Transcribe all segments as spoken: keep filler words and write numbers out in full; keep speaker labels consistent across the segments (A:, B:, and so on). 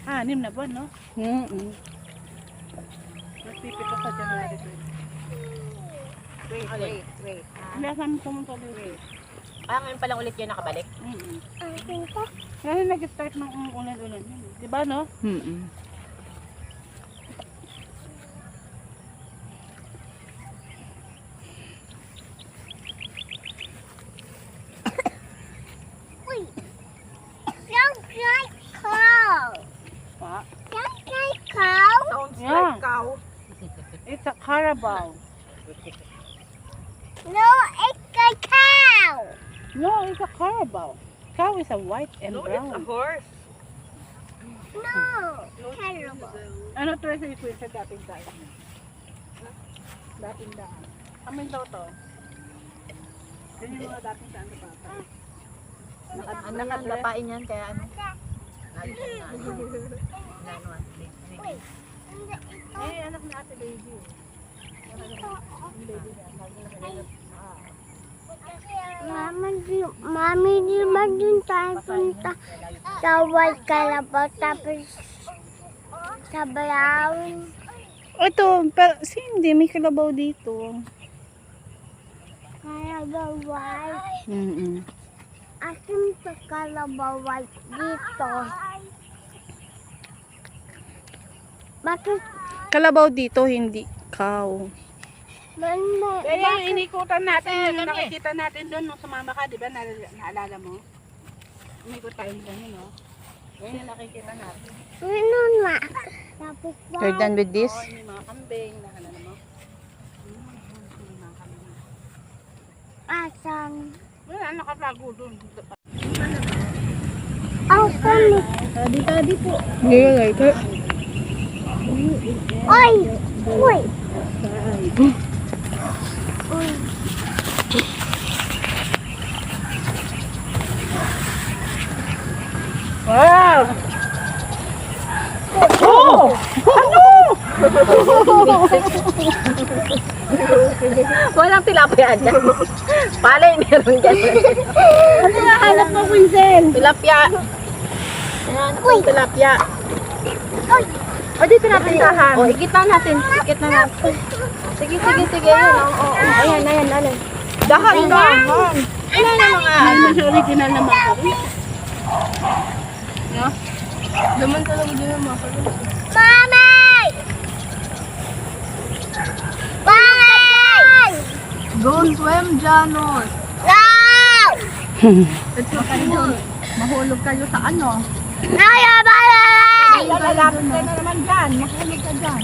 A: Anim na buwan, no?
B: Mm-mm.
A: Nagpipito sa January.
C: Wait, wait, wait.
A: Hindi kami pumunta dito.
C: Ah, ngayon pa lang ulit yun nakabalik?
A: Mm-mm. Ngayon nag-start ng ulan-ulan. Diba, no?
B: Mm-mm.
D: Sounds like cow.
A: Pa.
D: Sounds like cow.
C: Sounds
A: Yeah.
C: like cow.
A: It's a Carabao.
D: No, it's a cow.
A: No, it's a Carabao. Cow is a white and
C: No, it's a
A: brown.
C: horse.
D: No, terrible.
A: Ano to sa ito sa dating daan? Dating daan. Amin daw to. Yan yung mga dating daan na bata.
C: Ang nakadlapain yan, kaya ano? Ayun na ano. Na ano, ah,
D: Wait.
A: Eh, anak na ate baby.
D: Mama, di, mami, di ba dun tayo punta sa White Calabaw tapos sa Brown?
B: Ito, pero si hindi, may kalabaw dito.
D: Calabaw White.
B: Mm-mm.
D: Asim sa Calabaw White dito. Bakit?
B: Kalabaw dito, hindi cow.
D: Banda,
A: Eh, yung inikutan natin, yung nakikita natin doon nung sumama ka, di ba? Naal- Naalala mo? Inikot tayo doon, no? Yan yung nakikita natin.
D: ano na? Tapos ba?
B: You're done with this?
A: Oo, may mga kambing, nakalala mo? Hmm, may mga kambing.
D: Asan?
A: Wala, nakatago doon.
D: Oh, kami.
A: Tadi-tadi po.
B: Hindi ka like it?
D: Oy! Uy! Uy!
A: Wow!
C: walang tilapia dyan. Palay meron dyan.
A: Ano na hanap mo, Quinzel?
C: Tilapia. Ayan, uy, tilapia. O, dito natin tahan. O, ikit na natin. Ikit na natin. Sige, sige, sige. Yun, o, o, o. Ayan, ayan, ayan. Dahan, dahan. Ano na mga
A: Ano sa original na mga kambing? No?
C: Daman talaga din ang mga pala.
D: Mami! Mami!
C: Don't swim, Janos.
D: No!
C: Ito kayo. Mahulog kayo sa ano?
D: Ay, abay!
C: Lalapit ka na naman dyan. Mahulog ka dyan.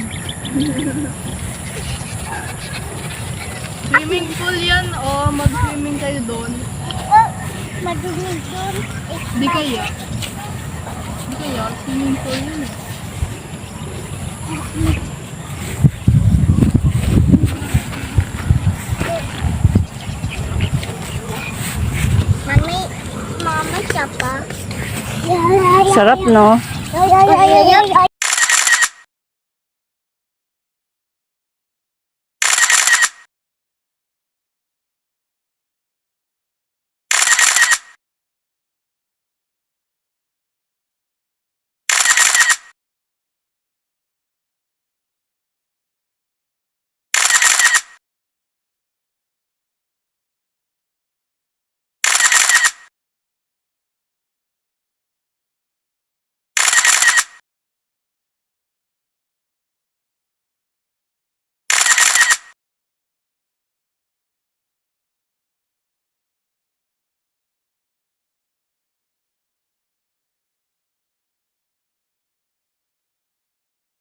B: Swimming pool yan o mag-swimming kayo doon?
D: Madugig doon.
B: Di kaya. Di kaya, swimming pool yun eh.
D: Mami, mama siya pa.
B: Sarap, no?
D: Ay, ay, ay, ay, ay.